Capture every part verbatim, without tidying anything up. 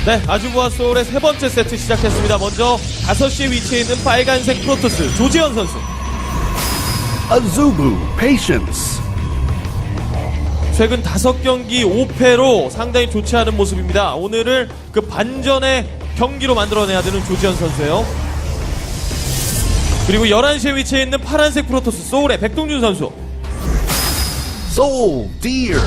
네, 아주부와 소울의 세 번째 세트 시작했습니다. 먼저 다섯 시에 위치해 있는 빨간색 프로토스 조지현 선수. Azubu, patience. 최근 다섯 경기 오 패로 상당히 좋지 않은 모습입니다. 오늘을 그 반전의 경기로 만들어내야 되는 조지현 선수예요. 그리고 열한 시에 위치해 있는 파란색 프로토스 소울의 백동준 선수. Soul, dear.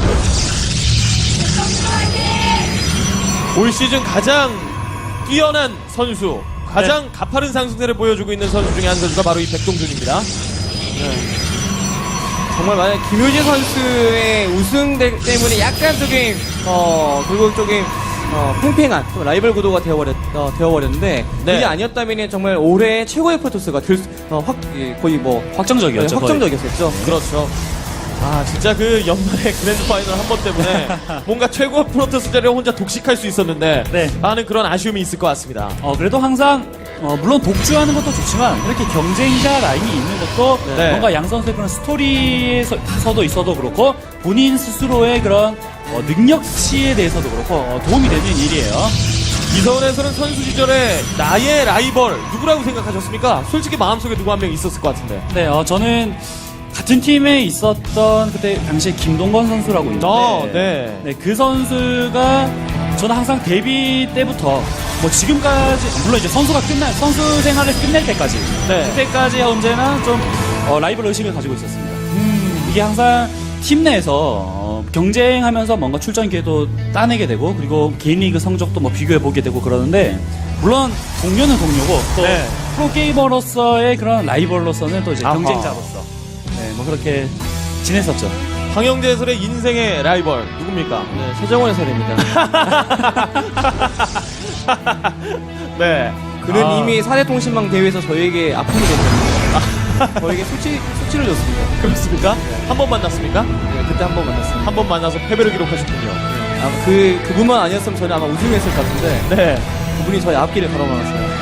올 시즌 가장 뛰어난 선수, 가장 네. 가파른 상승세를 보여주고 있는 선수 중에 한 선수가 바로 이 백동준입니다. 네. 정말 만약 김효진 선수의 우승 대, 때문에 약간 조금 어 결국 조금 어, 팽팽한 좀 라이벌 구도가 되어버렸, 어, 되어버렸는데 네. 그게 아니었다면 정말 올해 최고의 프로토스가 될 수, 어, 확, 예, 거의 뭐 확정적이었죠. 네, 확정적이었었죠. 그렇죠. 아 진짜 그 연말에 그랜드 파이널 한 번 때문에 뭔가 최고 프로토스 자리를 혼자 독식할 수 있었는데 네. 많은 그런 아쉬움이 있을 것 같습니다. 어, 그래도 항상 어, 물론 독주하는 것도 좋지만 이렇게 경쟁자 라인이 있는 것도 네. 뭔가 양 선수의 그런 스토리에서도 있어도 그렇고 본인 스스로의 그런 어, 능력치에 대해서도 그렇고 어, 도움이 되는 일이에요. 이서울에서는 선수 시절에 나의 라이벌 누구라고 생각하셨습니까? 솔직히 마음속에 누구 한 명 있었을 것 같은데. 네, 어, 저는 같은 팀에 있었던 그때 당시에 김동건 선수라고 있는데 어, 네. 네, 그 선수가 저는 항상 데뷔 때부터 뭐 지금까지 물론 이제 선수가 끝날 선수 생활을 끝낼 때까지 네. 그때까지 언제나 좀 어, 라이벌 의식을 가지고 있었습니다. 음, 이게 항상 팀 내에서 어, 경쟁하면서 뭔가 출전 기회도 따내게 되고 그리고 개인 리그 성적도 뭐 비교해 보게 되고 그러는데 물론 동료는 동료고 또 네. 프로게이머로서의 그런 라이벌로서는 또 이제 아하. 경쟁자로서 네, 뭐 그렇게 지냈었죠. 황영재 해설의 인생의 라이벌 누굽니까? 네, 최정원 해설입니다. 네. 그는 아, 이미 사대통신망 대회에서 저에게 아픔이 됐습니다. 저에게 수치, 수치를 줬습니다. 그렇습니까? 한 번 만났습니까? 네, 그때 한 번 만났습니다. 한 번 만나서 패배를 기록하셨군요. 아, 그, 그분만 아니었으면 저는 아마 우승했을 것 같은데 네. 그분이 저의 앞길을 걸어막았어요.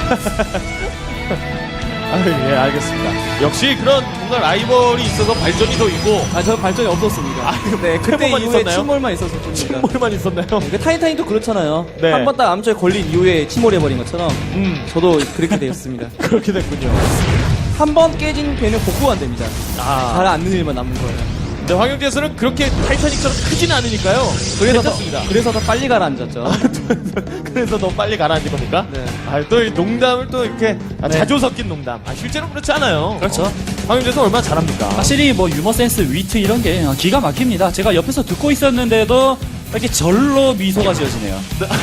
아, 예, 알겠습니다. 역시 그런 뭔가 라이벌이 있어서 발전이 더 있고. 아, 저 발전이 없었습니다. 아, 네, 그때 패배만 이후에 있었나요? 침몰만 있었을 뿐입니다. 침몰만 있었나요? 그 타이타인도 그렇잖아요. 네. 한 번 딱 암초에 걸린 이후에 침몰해버린 것처럼 음, 저도 그렇게 되었습니다. 그렇게 됐군요. 한 번 깨진 배는 복구가 안 됩니다. 아. 가라앉는 일만 남는 거예요. 근데 황영재에서는 그렇게 타이타닉처럼 크진 않으니까 그래서 더, 괜찮습니다. 그래서 더 빨리 가라앉았죠. 그래서 너 빨리 가라앉은 겁니까? 네. 아, 또 이 농담을 또 이렇게 아, 네. 자주 섞인 농담. 아, 실제로 그렇지 않아요. 그렇죠. 어, 황영재는 얼마나 잘합니까? 확실히 뭐 유머 센스, 위트 이런 게 어, 기가 막힙니다. 제가 옆에서 듣고 있었는데도 이렇게 절로 미소가 지어지네요.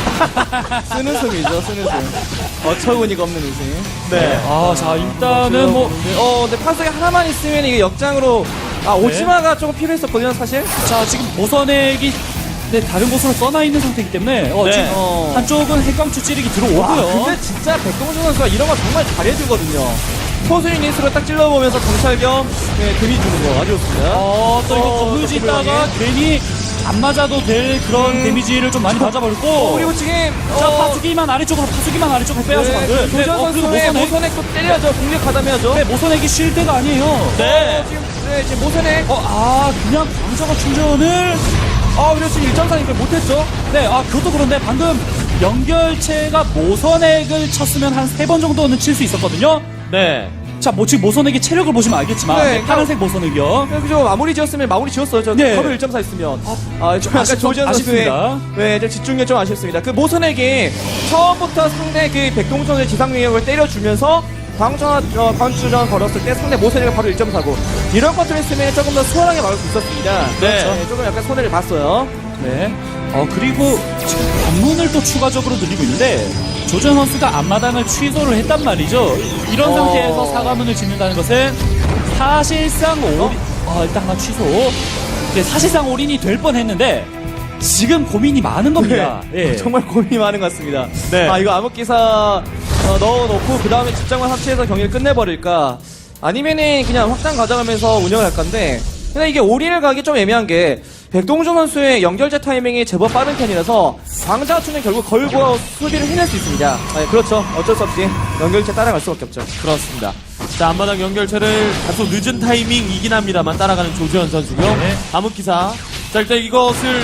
쓰는 숨이죠, 쓰는 숨. 어처구니가 없는 웃음. 네. 아, 자 일단은 뭐 어, 근데 판석에 하나만 있으면 이게 역장으로 아, 오지마가 조금 필요했었거든요, 사실. 자, 지금 모선액이 네, 다른 곳으로 떠나 있는 상태이기 때문에 어, 네. 지금 어. 한쪽은 핵광추 찌르기 와, 들어오고요. 근데 진짜 백동준 선수가 이런 거 정말 잘해주거든요. 포수인 인수로 딱 찔러보면서 정찰 겸 네, 데미 주는 거 아주 좋습니다. 어, 또 이거 어, 건물지 또 있다가 괜히 안 맞아도 될 그런 음. 데미지를 좀 많이 맞아버렸고. 어, 그리고 지금 자, 어, 파수기만 아래쪽으로, 파수기만 아래쪽으로 빼앗아 네, 만들. 조전 선수의 모선액 또 때려야죠. 공격하다며야죠. 네, 모선액이 쉴 때가 아니에요. 네. 어, 지금 네, 지금 모선액. 어, 아, 그냥 광자가 충전을. 아, 그래서 지금 일 점 사니까 못했죠. 네, 아, 그것도 그런데 방금 연결체가 모선액을 쳤으면 한 세 번 정도는 칠 수 있었거든요. 네. 자, 뭐 지금 모선액의 체력을 보시면 알겠지만, 네, 네, 파란색 모선액이요. 네, 그죠. 마무리 지었으면 마무리 지었어요. 저 네. 커브 일 점 사 있으면. 아, 좀 약간 아쉽- 조지현 선수의 아쉽습니다. 네, 좀 집중력 좀 아쉽습니다. 그 모선에게 처음부터 상대 그 백동준의 지상 능력을 때려주면서 광주전, 어, 광주전 걸었을 때 상대 모선에게 바로 일 점 사고 이런 것들 했으면 조금 더 수월하게 막을 수 있었습니다. 네. 그렇죠. 조금 약간 손해를 봤어요. 네. 어, 그리고 지금 관문을 또 추가적으로 늘리고 있는데, 조전 선수가 앞마당을 취소를 했단 말이죠. 이런 어. 상태에서 사과문을 짓는다는 것은 사실상 올인, 어, 일단 하나 취소. 네, 사실상 올인이 될 뻔 했는데, 지금 고민이 많은 겁니다. 네. 예. 정말 고민이 많은 것 같습니다. 네. 아, 이거 암흑기사 어, 넣어놓고 그 다음에 집장만 합체해서 경기를 끝내버릴까? 아니면은 그냥 확장 가져가면서 운영을 할 건데, 근데 이게 올인을 가기 좀 애매한 게 백동준 선수의 연결제 타이밍이 제법 빠른 편이라서 광자투는 결국 걸고 수비를 해낼 수 있습니다. 아, 그렇죠. 어쩔 수 없이 연결제 따라갈 수밖에 없죠. 그렇습니다. 자, 앞마당 연결체를 다소 늦은 타이밍이긴 합니다만 따라가는 조지현 선수고요. 네. 암흑기사. 자, 일단 이것을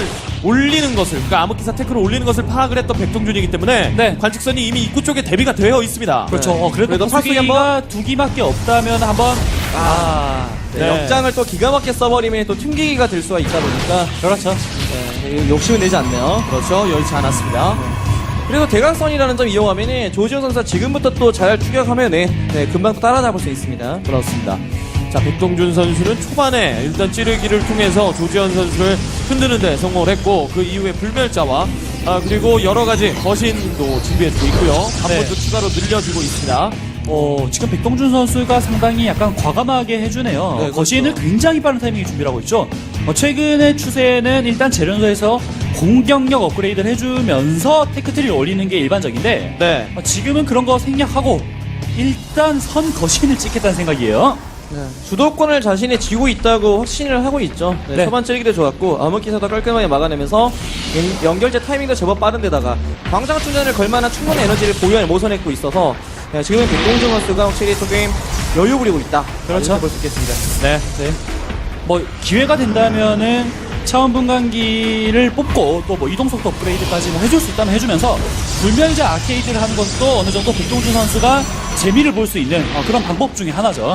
올리는 것을, 그러니까 암흑기사 태클을 올리는 것을 파악을 했던 백동준이기 때문에 네. 관측선이 이미 입구 쪽에 대비가 되어 있습니다. 그렇죠. 어, 그래도 그래도 파수기가 한번- 두 기밖에 없다면 한번 아, 네, 네. 역장을 또 기가 막히게 써버리면 또 튕기기가 될 수가 있다 보니까 그렇죠. 네, 욕심은 내지 않네요. 그렇죠. 여의치 않았습니다. 그래서 대각선이라는 점 이용하면 조지현 선수가 지금부터 또 잘 추격하면 네, 네, 금방 또 따라잡을 수 있습니다. 그렇습니다. 자, 백동준 선수는 초반에 일단 찌르기를 통해서 조지현 선수를 흔드는 데 성공을 했고, 그 이후에 불멸자와 아, 그리고 여러 가지 거신도 준비해주고 있고요. 한 네. 번 더 추가로 늘려주고 있습니다. 어, 지금 백동준 선수가 상당히 약간 과감하게 해주네요. 네, 거시는 그렇죠. 굉장히 빠른 타이밍에 준비를 하고 있죠. 어, 최근의 추세는 일단 재련소에서 공격력 업그레이드를 해주면서 테크트리를 올리는 게 일반적인데 네. 어, 지금은 그런 거 생략하고 일단 선 거신을 찍겠다는 생각이에요. 네, 주도권을 자신이 쥐고 있다고 확신을 하고 있죠. 네, 네. 초반 찌르기도 좋았고 암흑기사도 깔끔하게 막아내면서 연- 연결제 타이밍도 제법 빠른데다가 광장 충전을 걸만한 충분한 에너지를 보유한 모선했고 있어서 네, 지금은 백동준 선수가 확실히 또 게임 여유 부리고 있다. 그렇죠. 볼 수 있겠습니다. 네. 네. 뭐 기회가 된다면은 차원 분간기를 뽑고 또 뭐 이동속도 업그레이드까지 뭐 해줄 수 있다면 해주면서 불멸자 아케이드를 하는 것도 어느 정도 백동준 선수가 재미를 볼 수 있는 어, 그런 방법 중에 하나죠.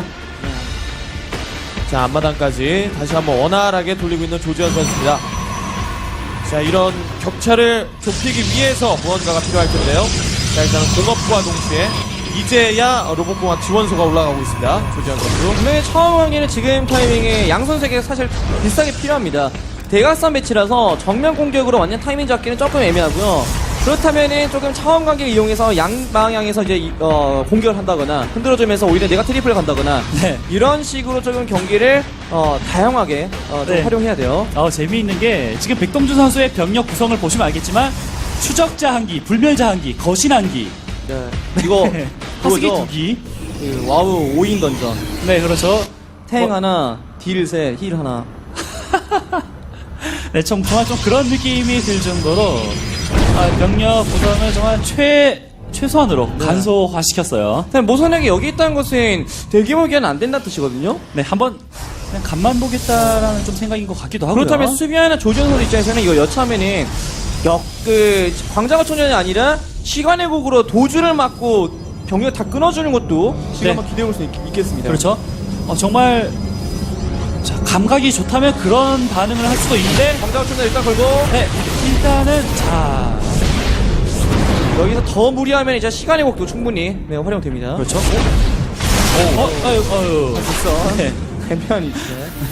자, 앞마당까지 다시 한번 원활하게 돌리고 있는 조지현 선수입니다. 자, 이런 격차를 좁히기 위해서 무언가가 필요할 텐데요. 자, 일단은 공업과 동시에 이제야 로봇공학 지원소가 올라가고 있습니다. 조지현 선수. 분명히 처음 관계는 지금 타이밍에 양 선수에게 사실 비슷하게 필요합니다. 대각선 배치라서 정면 공격으로 완전 타이밍 잡기는 조금 애매하고요. 그렇다면은 조금 차원 관계를 이용해서 양 방향에서 이제 이- 어, 공격을 한다거나 흔들어주면서 오히려 내가 트리플을 간다거나 네. 이런 식으로 조금 경기를 어, 다양하게 어, 좀 네. 활용해야 돼요. 어, 재미있는 게 지금 백동준 선수의 병력 구성을 보시면 알겠지만 추적자 한 기, 불멸자 한 기, 거신 한 기, 네. 이거 허스기 그거죠. 두 기. 그 와우 오 인 던전. 네, 그렇죠. 탱 뭐- 하나, 딜 셋, 힐 하나. 네, 좀, 정말 좀 그런 느낌이 들 정도로 아, 병력 구성을 정말 최 최소한으로 간소화시켰어요. 일단 모선액이 여기 있다는 것은 대규모기는 안 된다는 뜻이거든요. 네, 한번 그냥 간만 보겠다라는 좀 생각인 것 같기도 하고요. 그렇다면 수비하는 조지현 선수 입장에서는 이거 여차하면은 역, 그, 광장어 초년이 아니라 시간의 곡으로 도주를 막고 병력 다 끊어주는 것도 지금 네. 한번 기대해볼 수 있, 있겠습니다. 그렇죠. 어, 정말 자, 감각이 좋다면 그런 반응을 할 수도 있는데 광장어 초년 일단 걸고 네, 일단은 자 여기서 더 무리하면 이제 시간의 곡도 충분히 네, 활용됩니다. 그렇죠. 어, 어, 아유, 아유. 됐어. 네. 대면이 있네.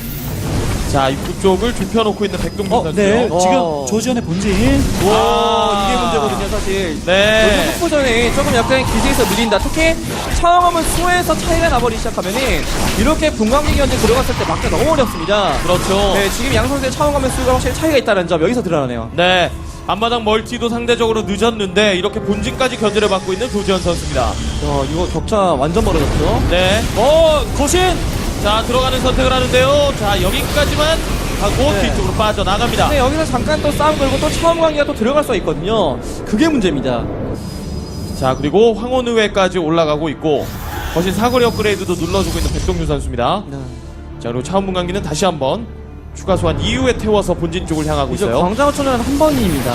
자, 입구 쪽을 좁혀놓고 있는 백동준 어, 선수요. 네. 어. 지금 조지현의 본진. 와, 아. 이게 문제거든요, 사실. 네. 속보전에 조금 약간 기세에서 밀린다. 특히 차원하면 수에서 차이가 나버리기 시작하면은 이렇게 분광기 견제 들어갔을 때 막기 너무 어렵습니다. 그렇죠. 네, 지금 양 선수의 차원하면 수가 확실히 차이가 있다는 점 여기서 드러나네요. 네. 앞마당 멀티도 상대적으로 늦었는데 이렇게 본진까지 견제를 받고 있는 조지현 선수입니다. 야, 이거 격차 완전 벌어졌죠. 네. 어, 거신. 자, 들어가는 선택을 하는데요. 자, 여기까지만 하고 네. 뒤쪽으로 빠져나갑니다. 근데 여기서 잠깐 또 싸움 걸고 또 차원 관계가 또 들어갈 수가 있거든요. 그게 문제입니다. 자, 그리고 황혼의회까지 올라가고 있고 거신 사거리 업그레이드도 눌러주고 있는 백동준 선수입니다. 네. 자, 그리고 차원문광기는 다시 한번 추가 소환 이후에 태워서 본진 쪽을 향하고 이제 있어요. 광장어초는 한 번입니다.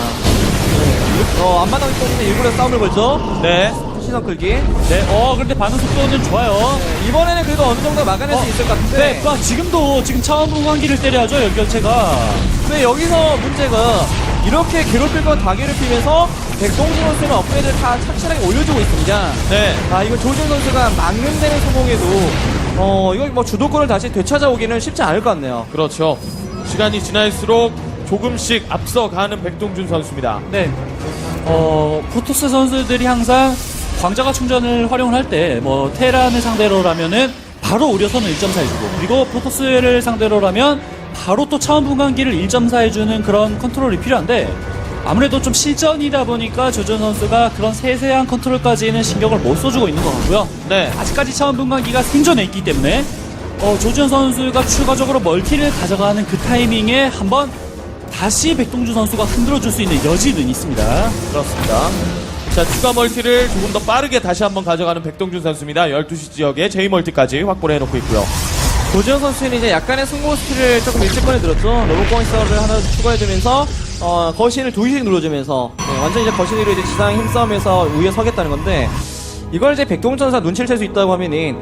네. 어, 앞마당 때문에 일부러 싸움을 걸죠. 네. 시선 끌기. 네, 어, 그런데 반응 속도는 좋아요. 네, 이번에는 그래도 어느 정도 막아낼 수 어, 있을 것 같은데. 네, 아, 지금도 지금 차원 분광기를 때려야죠, 연결체가. 근데 여기서 문제가 이렇게 괴롭힐 건 다 괴롭히면서 백동준 선수는 업그레이드를 다 착실하게 올려주고 있습니다. 네. 아, 이거 조준 선수가 막는 데는 성공해도 어, 이거 뭐 주도권을 다시 되찾아오기는 쉽지 않을 것 같네요. 그렇죠. 시간이 지날수록 조금씩 앞서가는 백동준 선수입니다. 네. 어, 프로토스 선수들이 항상 광자가 충전을 활용을 할 때, 뭐, 테란을 상대로라면은 바로 우려선을 일 점 사 해주고, 그리고 프로토스를 상대로라면 바로 또 차원 분광기를 일 점 사 해주는 그런 컨트롤이 필요한데, 아무래도 좀 실전이다 보니까 조준 선수가 그런 세세한 컨트롤까지는 신경을 못 써주고 있는 것 같고요. 네. 아직까지 차원 분광기가 생존해 있기 때문에, 어, 조준 선수가 추가적으로 멀티를 가져가는 그 타이밍에 한번 다시 백동준 선수가 흔들어줄 수 있는 여지는 있습니다. 그렇습니다. 자, 추가 멀티를 조금 더 빠르게 다시 한번 가져가는 백동준 선수입니다. 열두 시 지역에 제이 멀티까지 확보를 해놓고 있고요. 조지현 선수는 이제 약간의 승부 스킬을 조금 일찍 꺼내들었죠. 로봇공학 사업을 하나 추가해주면서 어, 거신을 두 개씩 눌러주면서 네, 완전 이제 거신으로 이제 지상 힘싸움에서 우위에 서겠다는 건데 이걸 이제 백동전사 눈치를 챌 수 있다고 하면은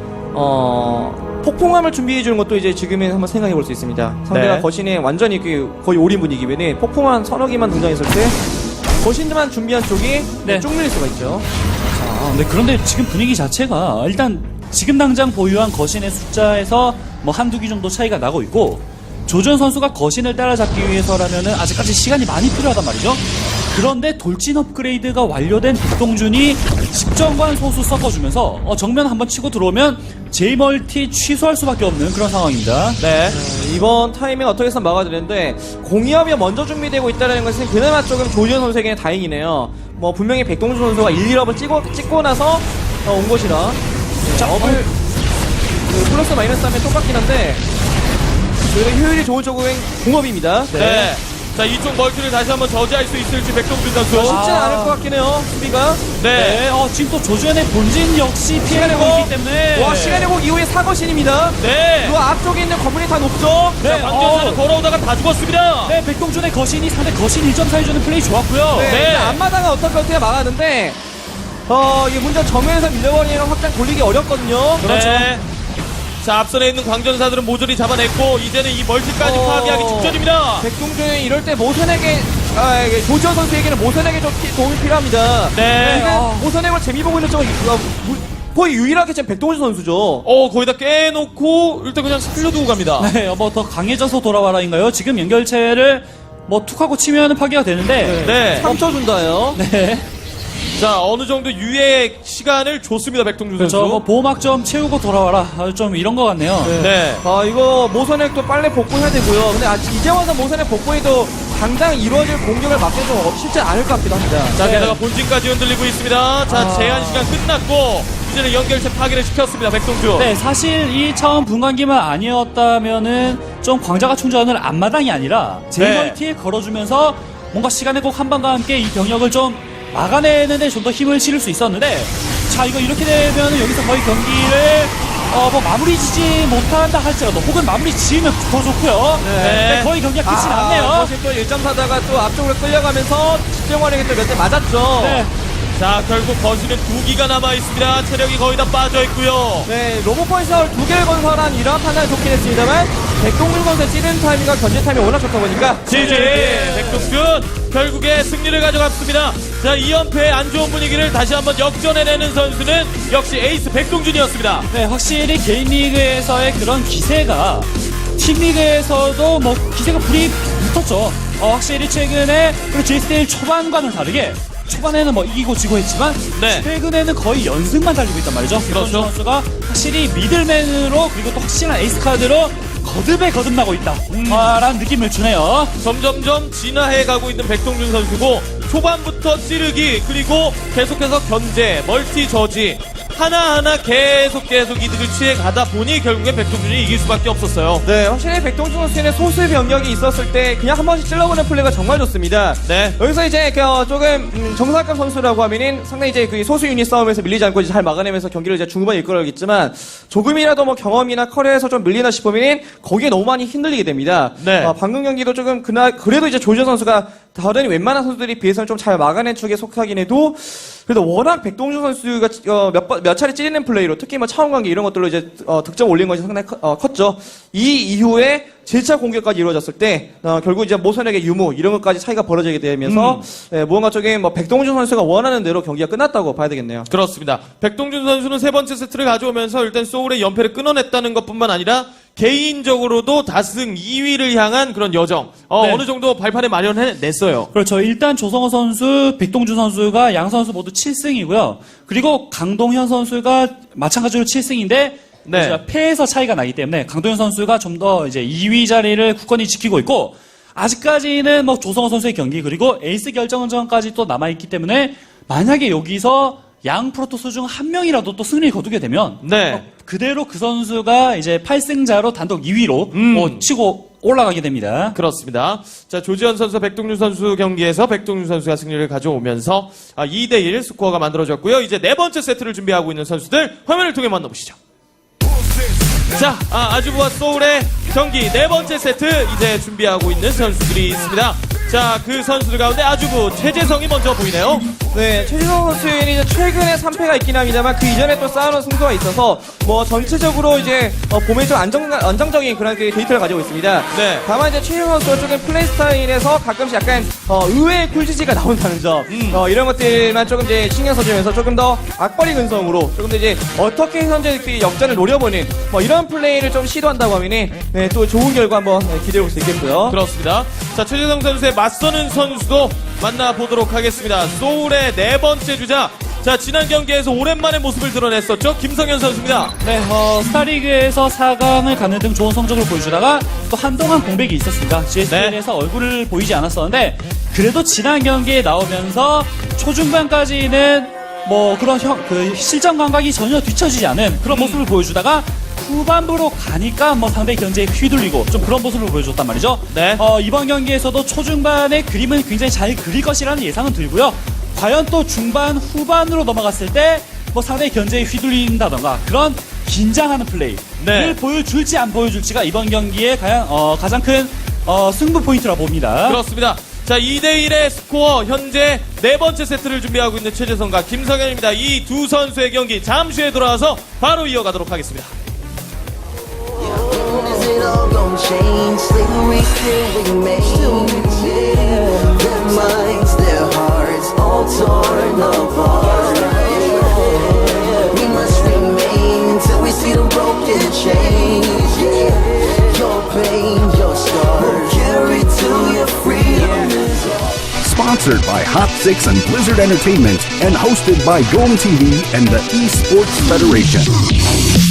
어. 폭풍함을 준비해주는 것도 이제 지금은 한번 생각해볼 수 있습니다. 상대가 네. 거신에 완전히 그 거의 올인 분위기면은 폭풍함 서너 개만 등장했을 때 거신들만 준비한 쪽이 네. 쭉 밀릴 수가 있죠. 아, 네, 그런데 지금 분위기 자체가 일단 지금 당장 보유한 거신의 숫자에서 뭐 한두 기 정도 차이가 나고 있고 조준 선수가 거신을 따라잡기 위해서라면은 아직까지 시간이 많이 필요하단 말이죠. 그런데 돌진 업그레이드가 완료된 백동준이 집정관 소수 섞어주면서 어, 정면 한번 치고 들어오면 제이멀티 취소할 수밖에 없는 그런 상황입니다. 네. 네, 이번 타이밍 어떻게 해서 막아야 되는데 공이업이 먼저 준비되고 있다는 것은 그나마 조금 조지현 선수에게는 다행이네요. 뭐 분명히 백동준 선수가 일, 일 업을 찍고, 찍고 나서 어, 온 것이라 네, 자, 업을 그 플러스 마이너스 하면 똑같긴 한데 저희가 효율이 좋은 쪽은 공업입니다. 네. 네. 자, 이쪽 멀티를 다시 한번 저지할 수 있을지 백동준 선수. 쉽진 아. 않을 것 같긴 해요. 수비가. 네. 네, 어, 지금 또 조준의 본진 역시 피해를 시간의 보기 복. 때문에 와 시간의 복 이후에 사거신입니다. 네. 그 앞쪽에 있는 건물이 다 높죠. 네, 자, 방전사는 어. 걸어오다가 다 죽었습니다. 네, 백동준의 거신이 상대 거신 일 점 사 해주는 플레이 좋았고요. 네. 네. 근데 앞마당은 어떻게 어떻게 막았는데 어 이게 문제 정면에서 밀려버리는 확장 돌리기 어렵거든요. 그렇죠. 네. 자, 앞선에 있는 광전사들은 모조리 잡아냈고 이제는 이 멀티까지 어. 파괴하기 직전입니다. 백동준이 이럴 때 모선에게 아, 이게 조지현 선수에게는 모선에게 좀 피- 도움이 필요합니다. 네. 지금 아. 모선에 걸 재미 보고 있는 쪽은 어, 무- 거의 유일하게 지금 백동준 선수죠. 어, 거기다 깨놓고 일단 그냥 살려두고 갑니다. 네, 뭐 더 강해져서 돌아와라인가요? 지금 연결체를 뭐 툭하고 치면 파괴가 되는데. 네. 삼 초 준다요. 네. 자, 어느 정도 유예 시간을 줬습니다, 백동준 그렇죠. 선수. 뭐 보호막 좀 채우고 돌아와라. 아, 좀 이런 것 같네요. 네. 아 이거 모선액도 빨리 복구해야 되고요. 근데 아직 이제 와서 모선액 복구해도 당장 이루어질 공격을 막기 좀 쉽지 않을 것 같기도 합니다. 자, 네. 게다가 본진까지 흔들리고 있습니다. 자, 아. 제한 시간 끝났고 이제는 연결체 파괴를 시켰습니다, 백동준. 네, 사실 이 차원 분광기만 아니었다면은 좀 광자가 충전을 앞마당이 아니라 제이멀티에 걸어주면서 뭔가 시간의 곡 한방과 함께 이 병력을 좀 막아내는데 좀 더 힘을 실을 수 있었는데 자 이거 이렇게 되면 여기서 거의 경기를 어 뭐 마무리 지지 못한다 할지라도 혹은 마무리 지으면 더 좋고요. 네. 네, 거의 경기가 끝이 났네요. 사실 또 일 점 사다가 또 앞쪽으로 끌려가면서 집정관에게 또 몇 대 맞았죠. 네. 자, 결국 거실은 두 기가 남아 있습니다. 체력이 거의 다 빠져 있고요. 네, 로봇펀시를 두 개를 건설한 이러한 판단이 좋긴 했습니다만 백동준 선수의 찌른 타이밍과 견제 타이밍이 워낙 좋다 보니까 지지 백동준 결국에 승리를 가져갔습니다. 자, 이 연패의 안 좋은 분위기를 다시 한번 역전해내는 선수는 역시 에이스 백동준이었습니다. 네, 확실히 개인 리그에서의 그런 기세가 팀 리그에서도 뭐 기세가 불이 붙었죠. 어, 확실히 최근에 그리고 제이스테일 초반과는 다르게 초반에는 뭐 이기고 지고 했지만 네. 최근에는 거의 연승만 달리고 있단 말이죠. 그렇죠. 백동준 선수가 확실히 미들맨으로 그리고 또 확실한 에이스 카드로 거듭에 거듭나고 있다. 음. 라는 느낌을 주네요. 점점점 진화해 가고 있는 백동준 선수고 초반부터 찌르기 그리고 계속해서 견제, 멀티 저지 하나하나 계속 계속 이득을 취해 가다 보니 결국엔 백동준이 이길 수밖에 없었어요. 네, 확실히 백동준 선수는 소수의 병력이 있었을 때 그냥 한 번씩 찔러보는 플레이가 정말 좋습니다. 네. 여기서 이제 그 어, 조금 음, 정상급 선수라고 하면은 상당히 이제 그 소수 유닛 싸움에서 밀리지 않고 이제 잘 막아내면서 경기를 이제 중후반에 이끌어야겠지만 조금이라도 뭐 경험이나 커리어에서 좀 밀리나 싶으면은 거기에 너무 많이 흔들리게 됩니다. 네. 어, 방금 경기도 조금 그날 그래도 이제 조지현 선수가 다른 웬만한 선수들이 비해서는 좀 잘 막아낸 쪽에 속하긴 해도 그래도 워낙 백동준 선수가 어, 몇, 번, 몇 차례 찌르는 플레이로 특히 뭐 차원 관계 이런 것들로 이제 어, 득점 올린 것이 상당히 커, 어, 컸죠. 이 이후에 제 차 공격까지 이루어졌을 때 어, 결국 이제 모선에게 유무 이런 것까지 차이가 벌어지게 되면서 음. 예, 무언가 쪽에 뭐 백동준 선수가 원하는 대로 경기가 끝났다고 봐야 되겠네요. 그렇습니다. 백동준 선수는 세 번째 세트를 가져오면서 일단 소울의 연패를 끊어냈다는 것뿐만 아니라 개인적으로도 다승 이 위를 향한 그런 여정 어, 네. 어느 정도 발판에 마련해냈어요. 그렇죠. 일단 조성호 선수, 백동준 선수가 양 선수 모두 칠 승이고요. 그리고 강동현 선수가 마찬가지로 칠 승인데 네. 이제 패에서 차이가 나기 때문에 강동현 선수가 좀 더 이제 이 위 자리를 굳건히 지키고 있고 아직까지는 뭐 조성호 선수의 경기 그리고 에이스 결정전까지 또 남아 있기 때문에 만약에 여기서 양 프로토스 중 한 명이라도 또 승리를 거두게 되면 네. 어, 그대로 그 선수가 이제 팔 승자로 단독 이 위로 음. 어, 치고 올라가게 됩니다. 그렇습니다. 자, 조지현 선수, 백동준 선수 경기에서 백동준 선수가 승리를 가져오면서 아, 이 대 일 스코어가 만들어졌고요. 이제 네 번째 세트를 준비하고 있는 선수들 화면을 통해 만나보시죠. Who's this? 자, 아, 아주부와 소울의 경기 네 번째 세트 이제 준비하고 있는 선수들이 있습니다. 자, 그 선수들 가운데 아주부 최재성이 먼저 보이네요. 네, 최진성 선수는 이제 최근에 삼 패가 있긴 합니다만 그 이전에 또 쌓아놓은 승부가 있어서 뭐 전체적으로 이제 어, 봄에 좀 안정, 안정적인 그런 그 데이터를 가지고 있습니다. 네. 다만 이제 최진성 선수가 조금 플레이 스타일에서 가끔씩 약간 어, 의외의 쿨지지가 나온다는 점 음. 어, 이런 것들만 조금 이제 신경 써주면서 조금 더 악벌이 근성으로 조금 더 이제 어떻게 현재 그 역전을 노려보는 뭐 이런 플레이를 좀 시도한다고 하면은 네, 또 좋은 결과 한번 네, 기대해 볼 수 있겠고요. 그렇습니다. 자, 최재성 선수의 맞서는 선수도 만나보도록 하겠습니다. 소울의 네 번째 주자. 자, 지난 경기에서 오랜만에 모습을 드러냈었죠. 김성현 선수입니다. 네, 어, 스타리그에서 사 강을 가는 등 좋은 성적을 보여주다가 또 한동안 공백이 있었습니다. 지에스엘에서 네. 얼굴을 보이지 않았었는데 그래도 지난 경기에 나오면서 초중반까지는 뭐 그런 형, 그 실전 감각이 전혀 뒤처지지 않은 그런 모습을 보여주다가 후반부로 가니까 뭐 상대 견제에 휘둘리고 좀 그런 모습을 보여줬단 말이죠. 네. 어, 이번 경기에서도 초중반의 그림은 굉장히 잘 그릴 것이라는 예상은 들고요. 과연 또 중반 후반으로 넘어갔을 때 뭐 상대 견제에 휘둘린다던가 그런 긴장하는 플레이를 네. 보여줄지 안 보여줄지가 이번 경기에 과연 어, 가장 큰 어, 승부 포인트라고 봅니다. 그렇습니다. 자, 이 대 일의 스코어 현재 네 번째 세트를 준비하고 있는 최재성과 김성현입니다. 이 두 선수의 경기 잠시 후에 돌아와서 바로 이어가도록 하겠습니다. Is it all gon' change? Slavery still remains. Yeah. Their minds, their hearts, all torn apart. Yeah. We must remain until we see them broken chains. Yeah. Your pain, your scars, carry to your freedom. Sponsored by Hot Six and Blizzard Entertainment and hosted by Dome T V and the Esports Federation.